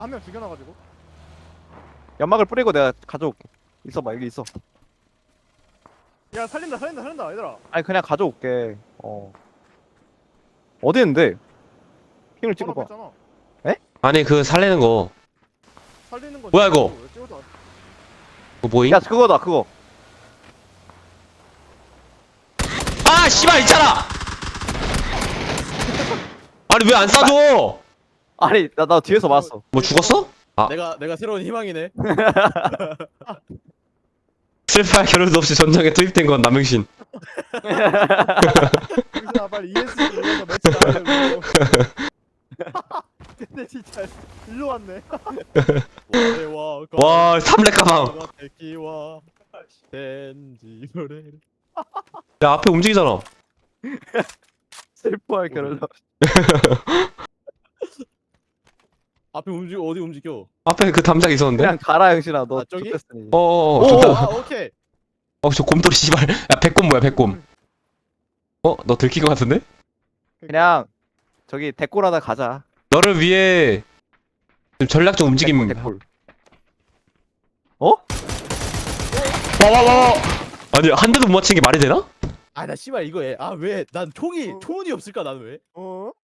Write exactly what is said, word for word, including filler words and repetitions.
한 명 죽여놔가지고. 연막을 뿌리고 내가 가져올게. 있어봐 여기 있어. 야 살린다 살린다 살린다 얘들아. 아니 그냥 가져올게. 어. 어디 있는데? 핑을 바로 찍어봐. 앞에 있잖아. 아니 그 살리는 거 살리는 거. 뭐야, 이거? 왜 찍어도 안- 그거 뭐임? 야 그거다 그거. 아 씨발 있잖아. 아니 왜 안 쏴줘? 아니 나 나 뒤에서 봤어. 뭐 죽었어? 아. 내가 내가 새로운 희망이네. 슬퍼할 겨를도 없이 전장에 투입된 건 남영신. 여기서 빨리 이에스 눌러서 매치 나가려고. 근데 진짜 일로 왔네. 와와 와 삼렙 가방. 대기와 덴지 노래. 야 앞에 움직이잖아. 슬퍼할 겨를. 앞에 움직 어디 움직여? 앞에 그 담장 있었는데. 그냥 가라 형신아 너. 아, 저기? 좋댔으니. 어어어. 오! 좋다. 아 오케이. 어저 곰돌이 씨발. 야 백곰 뭐야 백곰. 어 너 들킨 거 같은데? 그냥 저기 대골하다 가자. 너를 위해 좀 전략적 움직임. 대골, 대골. 어? 와와와. 아니 한 대도 못 맞힌 게 말이 되나? 아 나 씨발 이거 해. 아 왜 난 총이 어. 총이 없을까 난 왜? 어?